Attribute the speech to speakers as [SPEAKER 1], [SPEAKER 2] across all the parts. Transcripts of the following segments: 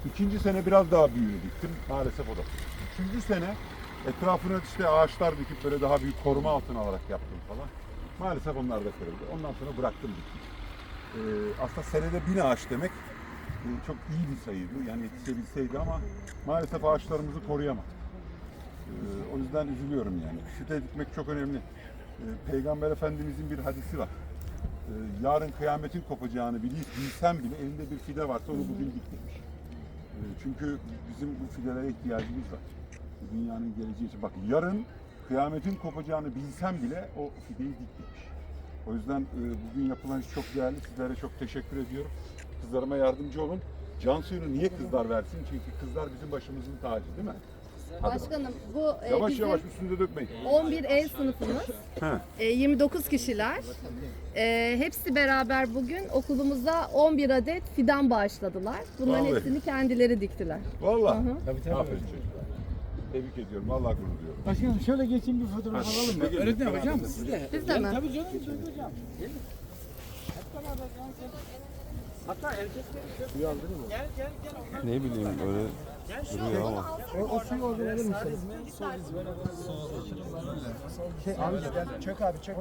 [SPEAKER 1] İkinci sene biraz daha büyüğünü diktim. Maalesef o da. Üçüncü sene etrafına işte ağaçlar dikip böyle daha büyük koruma altına alarak yaptım falan. Maalesef onlar da kırıldı. Ondan sonra bıraktım diktim. Aslında senede 1000 ağaç demek çok iyi bir sayıydı. Yani yetişebilseydi ama maalesef ağaçlarımızı koruyamadık. O yüzden üzülüyorum yani. Fide dikmek çok önemli. Peygamber Efendimizin bir hadisi var. Yarın kıyametin kopacağını bilsem bile elinde bir fide varsa onu bugün dik demiş. Çünkü bizim bu fidelere ihtiyacımız var. Bu dünyanın geleceği için. Bak yarın kıyametin kopacağını bilsem bile o fideyi dik demiş. O yüzden bugün yapılan iş çok değerli. Sizlere çok teşekkür ediyorum. Kızlarıma yardımcı olun. Cansu'yu niye kızlar versin? Çünkü kızlar bizim başımızın tacı değil mi?
[SPEAKER 2] Başkanım bu
[SPEAKER 1] Yavaş
[SPEAKER 2] bizim
[SPEAKER 1] yavaş üstünde dökmeyin.
[SPEAKER 2] 11 ev sınıfımız. 29 kişiler. Hepsi beraber bugün okulumuza 11 adet fidan bağışladılar. Bunların
[SPEAKER 1] Vallahi.
[SPEAKER 2] hepsini kendileri diktiler.
[SPEAKER 1] Vallahi.
[SPEAKER 3] Tabii.
[SPEAKER 1] Aferin çocuklar. Tebrik ediyorum. Vallahi gurur duyuyorum.
[SPEAKER 3] Başkanım şöyle geçin bir fotoğraf alalım mı?
[SPEAKER 1] Öğretmenim hocam
[SPEAKER 3] Siz de.
[SPEAKER 2] Biz de mi?
[SPEAKER 3] Tabii canım. Tabii hocam. Gelin. Hep beraber gel. Hatta erkekleri gel.
[SPEAKER 4] Ne bileyim öyle duruyor ama.
[SPEAKER 3] O suyu orada verir misin? Abi gel. Çök abi çök.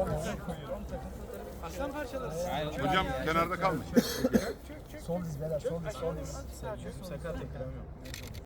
[SPEAKER 3] Aslan parçaları.
[SPEAKER 1] Hocam kenarda kalmış.
[SPEAKER 3] Sol diz beyler sol diz. Sakat ekranı yok.